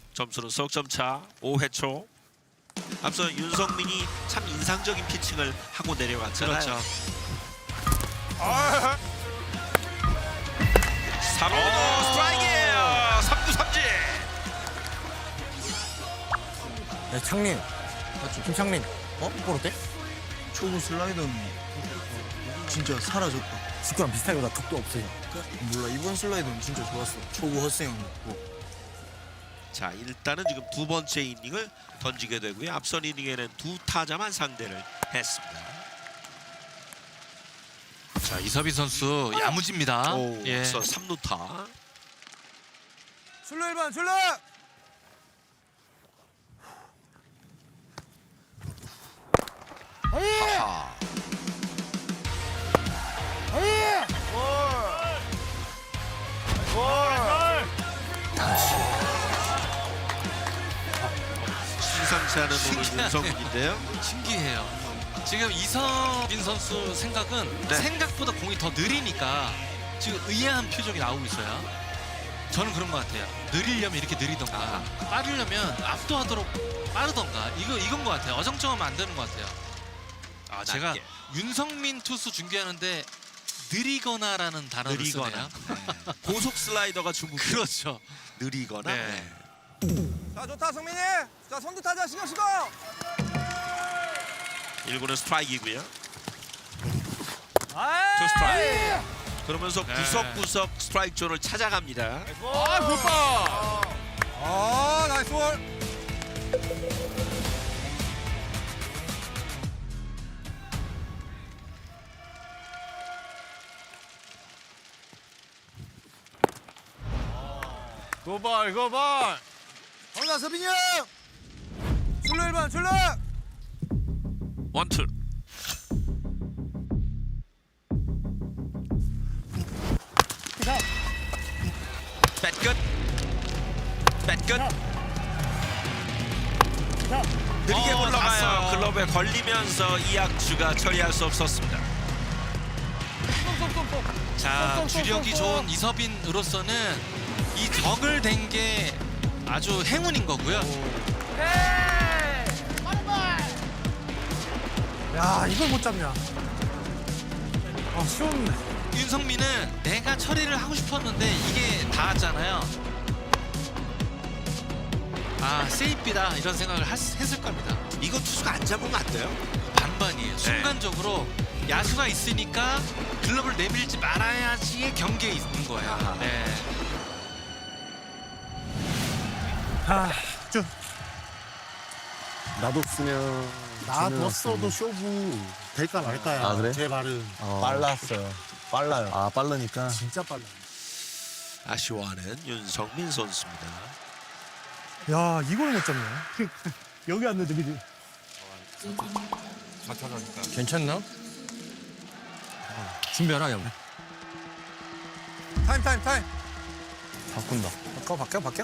점수는 석점 차 5회 초. 앞서 윤성민이 참 인상적인 피칭을 하고 내려갔잖아요. 그렇죠. 3루 스트라이크예요. 3구 삼진. 야, 창민. 김창민. 볼 어때? 초구 슬라이더는 진짜 사라졌다. 직구랑 비슷하게 나 턱도 없어요. 몰라, 이번 슬라이더는 진짜 좋았어. 초구 헛스윙이고. 자, 일단은 지금 두 번째 이닝을 던지게 되고요. 앞선 이닝에는 두 타자만 상대를 했습니다. 자, 이서빈 선수 야무집니다. 오, 예. 앞서 3루타. 출루 1번 출루! 하하. 심상치 않은 오늘 신기하네요. 윤성민인데요. 신기해요. 지금 이서빈 선수 생각은 네. 생각보다 공이 더 느리니까 지금 의아한 표정이 나오고 있어요. 저는 그런 것 같아요. 느리려면 이렇게 느리던가 빠르려면 압도하도록 빠르던가 이건 것 같아요. 어정쩡하면 안 되는 것 같아요. 아, 제가 낮게. 윤성민 투수 중계하는데 느리거나라는 단어를 느리거나. 쓰네요. 네. 고속 슬라이더가 중국. 그렇죠. 느리거나. 네. 자 좋다 성민이. 자 선두 타자 신경 쓰고. 1구는 스트라이크이고요. 투 스트라이크. 그러면서 네. 구석구석 스트라이크 존을 찾아갑니다. 아 굿볼. 아 나이스 볼. 굿볼 굿볼. 정답 서빈이 형. 출루 1번 출루. 원투. 뱃끝. 뱃끝. 느리게 올라가요. 갔어요. 글러브에 걸리면서 이학주가 처리할 수 없었습니다. 자, 주력이 좋은 이서빈으로서는 이 적을 댄 게 아주 행운인 거고요. 야 이걸 못 잡냐. 아 쉬웠네. 윤성민은 내가 처리를 하고 싶었는데 이게 닿았잖아요. 아, 세이프다 이런 생각을 했을 겁니다. 이거 투수가 안 잡으면 안 돼요. 반반이에요. 순간적으로 야수가 있으니까 글러브를 내밀지 말아야지의 경계에 있는 거예요. 아하. 네. 아 쭉. 놔뒀으면 놔뒀어도 쇼부 될까 말까야. 아, 그래? 제 말은 빨랐어요. 빨라요. 아 빠르니까. 진짜 빨라. 아쉬워하는 윤성민 선수입니다. 야 이걸 못 잡네. 여기 안 넣어줘, 그지? 괜찮나? 준비하라 형. 타임. 바꾼다. 바뀌어.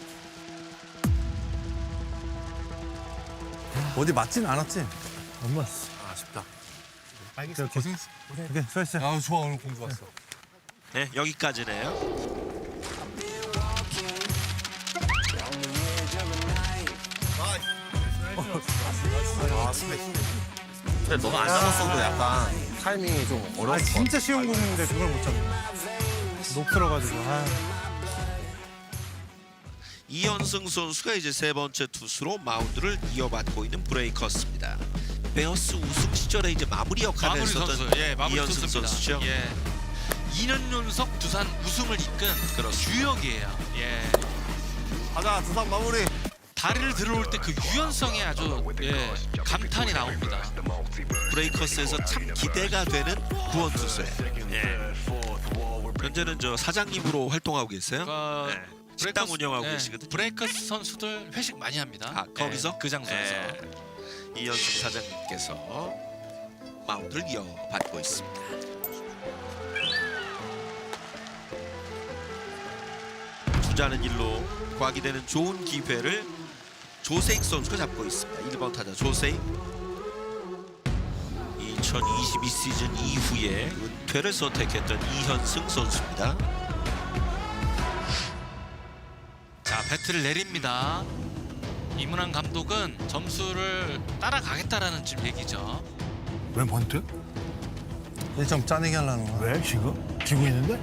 어디 맞진 않았지? 안 맞았어. 아쉽다. 알겠어. 고생했어. 오케이, 수고했어. 아, 좋아. 오늘 공 좋았어. 네, 여기까지네요. 근데 너가 안 잡았어도 약간 타이밍이 좀 아 어려웠을 것 같아. 진짜 쉬운 공인데 그걸 못 잡네. 높들어가지고. 아. 이현승 선수가 이제 세 번째 투수로 마운드를 이어받고 있는 브레이커스입니다. 베어스 우승 시절에 이제 마무리 역할을 마무리 했었던 선수, 마무리 이현승 투수입니다. 선수죠. 예. 2년 연속 두산 우승을 이끈 주역이에요. 예. 가자 두산 마무리. 다리를 들어올 때 그 유연성에 아주 감탄이 나옵니다. 브레이커스에서 참 기대가 되는 구원 투수예요. 예. 현재는 저 사장님으로 활동하고 계세요. 네. 식당 운영하고 계시거든요. 브레이커스 선수들 회식 많이 합니다. 아, 거기서? 그 장소에서. 이현승 사장님께서 마운드를 이어받고 있습니다. 주자는 일로 과기되는 좋은 기회를 조세익 선수가 잡고 있습니다. 1번 타자 조세익. 2022 시즌 이후에 은퇴를 선택했던 이현승 선수입니다. 자, 배트를 내립니다. 이문환 감독은 점수를 따라가겠다라는 지금 얘기죠. 웬 번트? 1점 짜내기 하려는 거야. 왜 지금? 지고 있는데?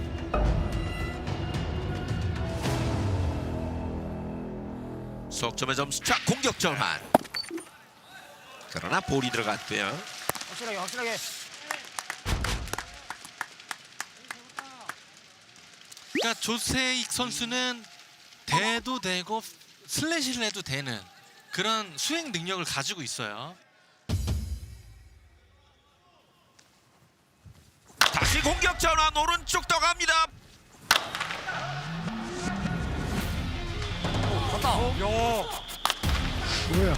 석점의 점수차 공격 전환. 그러나 볼이 들어갔고요. 확실하게. 그러니까 조세익 선수는 대도 되고 슬래시를 해도 되는 그런 수행 능력을 가지고 있어요. 다시 공격 전환 오른쪽 떠갑니다. 뭐야?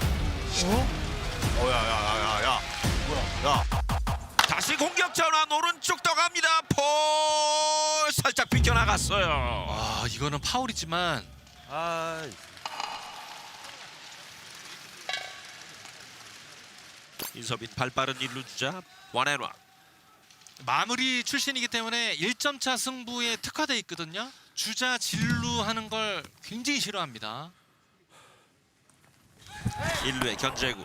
야야야야야. 야. 다시 공격 전환 오른쪽 떠갑니다. 볼 살짝 비껴나갔어요. 아 이거는 파울이지만 아. 인서빈 발빠른 일루 주자 원앤원. 마무리 출신이기 때문에 1점 차 승부에 특화돼 있거든요. 주자 진루하는 걸 굉장히 싫어합니다. 1루의 견제구.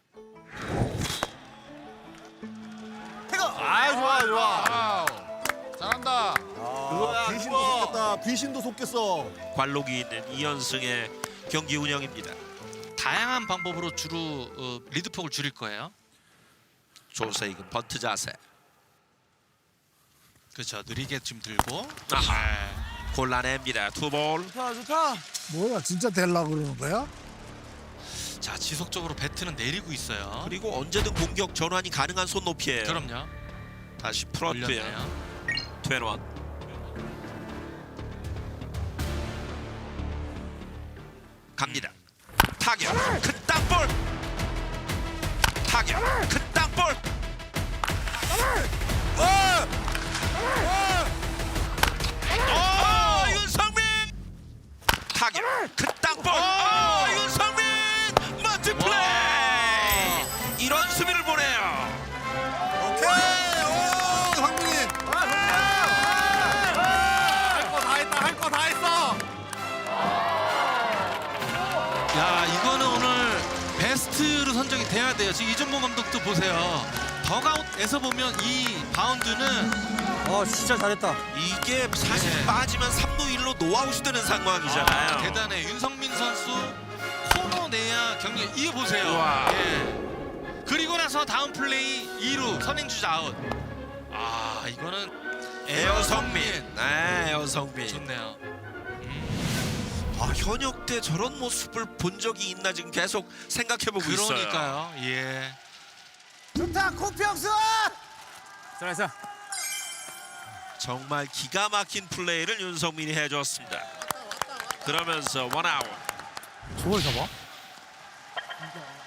아 좋아. 잘한다. 그거야. 귀신도 속겠다. 귀신도 속겠어. 관록이 있는 2연승의 경기 운영입니다. 다양한 방법으로 주로 리드폭을 줄일 거예요. 조세익은 번트 자세. 그렇죠. 느리게 지금 들고. 아하. 골라냅니다. 투볼. 좋다. 뭐야 진짜 될라 그러는 거야? 자 지속적으로 배트는 내리고 있어요. 그리고 언제든 공격 전환이 가능한 손높이에요. 그럼요. 다시 풀었고요. 올렸네요. 투앤원. 갑니다. 타격. 큰 땅볼. 타격. 큰 땅볼. 윤성민. 타격. 큰 땅볼. 윤성민. 멋진 플레이. 이런 수비를 보내요. 오케이. 오, 상민이. 할 거 다 했어. 야 이거는 오늘 베스트로 선정이 돼야 돼요. 지금 이정범 감독도 보세요. 덕아웃에서 보면 이 바운드는 진짜 잘했다. 이게 사실 네. 빠지면 3루 1루 노아웃이 되는 상황이잖아요. 대단해. 윤성민 선수 코너 내야 경기 이거 보세요. 우와. 예. 그리고 나서 다음 플레이 2루 선행주자 아웃. 아 이거는 에어성민. 네, 에어성민. 좋네요. 아, 현역 때 저런 모습을 본 적이 있나 지금 계속 생각해보고 있어요. 그러니까요. 예. 좋다. 코피영수. 잘했어. 정말 기가 막힌 플레이를 윤성민이 해줬습니다. 그러면서 원아웃. 저걸 잡아?